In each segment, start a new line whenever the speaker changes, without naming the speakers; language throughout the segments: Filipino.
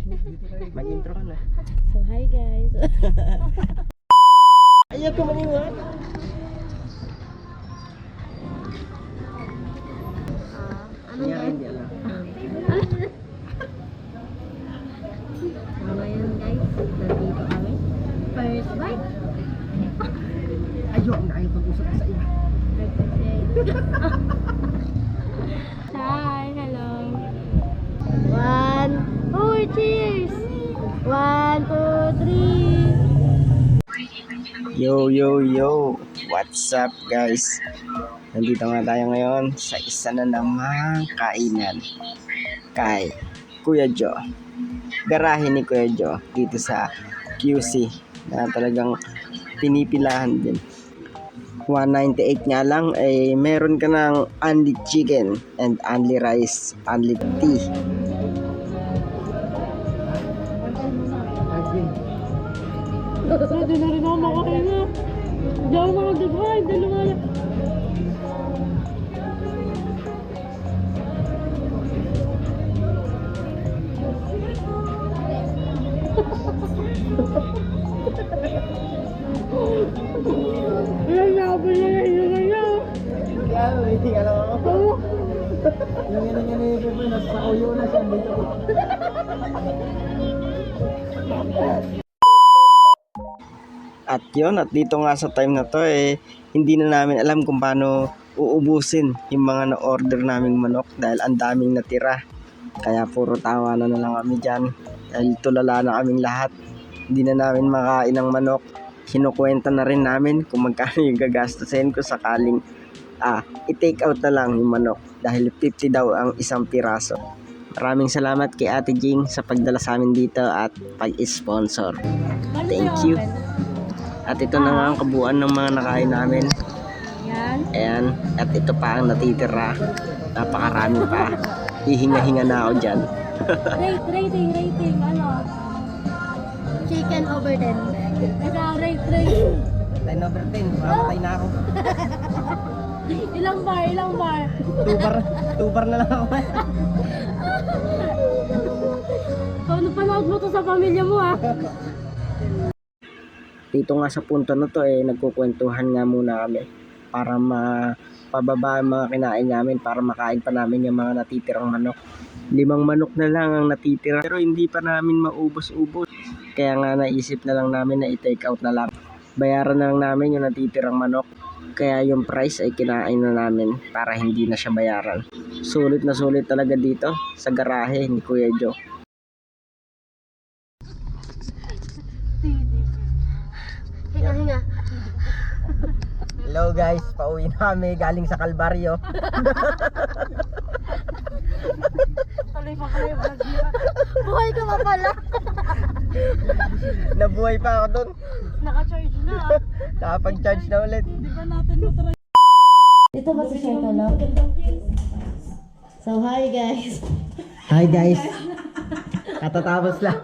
Mag-intro ka na.
So hi guys.
Ayaw ko maniwan.
Ano
Kaya
guys?
hindi alam.
So ngayon guys, nandito kami. First bite.
Ayaw na ayaw pag-usap sa iba.
Hi, hello. 1, 2, cheers! 1, 2, 3.
Yo, yo, yo! What's up guys? Nandito nga tayo ngayon sa isa na namang kainan kay Kuya Joe. Garahe ni Kuya Joe dito sa QC na talagang pinipilahan din. 198 nga lang ay meron ka ng only chicken and only rice, only tea.
Pwede na rin ako makahinga. Hindi ako makagdagay, dalawa na. Ilan na ako na nahihinga niya.
Kaya, waiting alam ako. Yung ina-ina yung pepe, nasa uyo na siya dito. At yun, at dito nga sa time na to hindi na namin alam kung paano uubusin yung mga na-order naming manok dahil ang daming natira. Kaya puro tawa na lang kami dyan dahil tulala na kaming lahat. Hindi na namin makain ng manok. Kinukwenta na rin namin kung magkano yung gagastusin ko sakaling i-take out na lang yung manok dahil 50 daw ang isang piraso. Maraming salamat kay Ate Jing sa pagdala sa amin dito at pag-sponsor. Thank you. At ito na nga ang kabuuan ng mga nakain namin.
Yan.
Ayan. At ito pa ang natitira. Napakarami pa. Hihinga-hinga na ako dyan.
Rating, ano? Chicken over 10. Ikaw, rate.
10 over 10. Mamatay na ako.
Ilang bar?
2 bar na lang ako.
Kung napanood mo to sa pamilya mo ha.
Dito nga sa punto na to nagkukwentuhan nga muna kami para mapababa ang mga kinain namin para makain pa namin yung mga natitirang manok. 5 manok na lang ang natitira pero hindi pa namin maubos-ubos. Kaya nga naisip na lang namin na i-take out na lang. Bayaran na lang namin yung natitirang manok. Kaya yung price ay kinain na namin para hindi na siya bayaran. Sulit na sulit talaga dito sa garahe ni Kuya Joe.
Hinga.
Hello guys, pauwi na kami galing sa Kalbaryo.
Tuloy pa kayo, buhay ka pa pala.
Nabuhay pa ako dun.
Naka-charge na.
Nakapag-charge na ulit.
Di ba natin matry? Ito ba si Sir Talok? So hi guys.
Hi guys. Katatapos lang.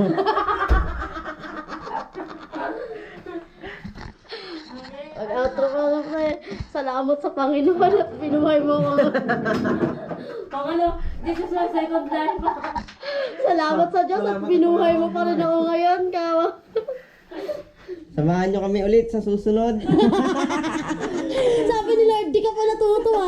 Mag-outro ka na pre. Salamat sa Panginoon at binuhay mo ko. This is my second life. Salamat sa Diyos at binuhay mo pa rin ako ngayon. Kawa.
Samahan nyo kami ulit sa susunod.
Sabi ni Lord, di ka pa natuto ha.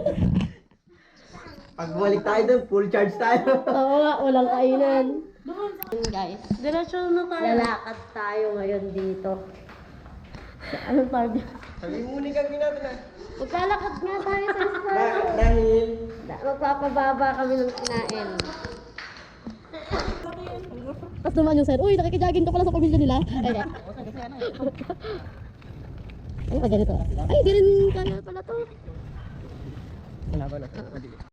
Pagbalik tayo dun, full charge tayo.
Oo nga, walang kainan. Guys, diretso na tayo. Lalakad tayo ngayon dito. Anong target?
Sabi mo ni kang ginagawa.
Maglalakad nga tayo sa isa.
Dahil
Magpapababa kami ng kinain. Tapos naman yung sir, uy, nakikijagin ka pala sa pamilya nila. Ay, ganito. Ay, di rin kaya pala to.
wala ba na?